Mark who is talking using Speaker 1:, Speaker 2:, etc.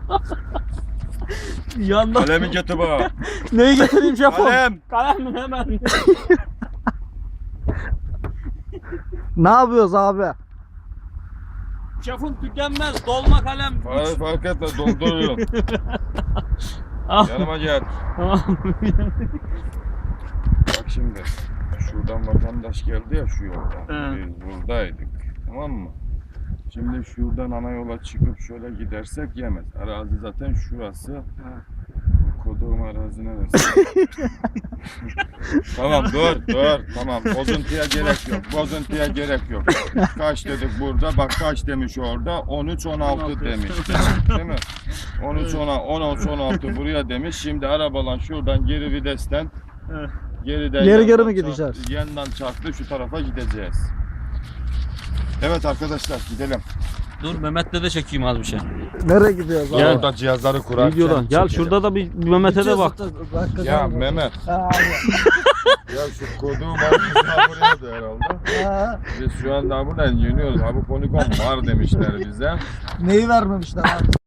Speaker 1: Yandan.
Speaker 2: Kalemi getir bana.
Speaker 1: Neyi getireyim şefim?
Speaker 2: Kalem.
Speaker 1: Kalem mi hemen?
Speaker 3: Ne yapıyoruz abi?
Speaker 1: Şefim tükenmez. Dolma kalem.
Speaker 2: Fark etme dolduruyorum.
Speaker 1: Al.
Speaker 2: Yanıma gel.
Speaker 1: Tamam.
Speaker 2: Bak şimdi. Şuradan vatandaş geldi ya şu yoldan.
Speaker 1: He.
Speaker 2: Biz buradaydık. Tamam mı? Şimdi şuradan ana yola çıkıp şöyle gidersek yemez. Arazi zaten şurası. Koduğum arazi neresi? Tamam dur. Tamam. Bozuntuya gerek yok. Bozuntuya gerek yok. Kaç dedik burada? Bak kaç demiş orada? 13-16 demiş. Değil mi? 13-16 buraya demiş. Şimdi arabalan şuradan geri videsten geriden
Speaker 3: Geri
Speaker 2: yandan
Speaker 3: mi gideceğiz?
Speaker 2: Yandan çarptı şu tarafa gideceğiz. Evet arkadaşlar gidelim.
Speaker 1: Dur Mehmet'le de çekeyim az bir şey.
Speaker 3: Nereye gidiyoruz abi?
Speaker 1: Gel.
Speaker 2: Orada cihazları kurarken
Speaker 1: Videodan. Gel
Speaker 2: çekelim.
Speaker 1: şurada da bir Mehmet'e de bak.
Speaker 2: Ya Mehmet.
Speaker 3: Ha,
Speaker 2: Ya şu koduğum arkasına buraya da herhalde.
Speaker 3: ha.
Speaker 2: Biz şu anda buradan yeniyoruz. Abi poligon var demişler bize.
Speaker 3: Neyi vermemişler abi?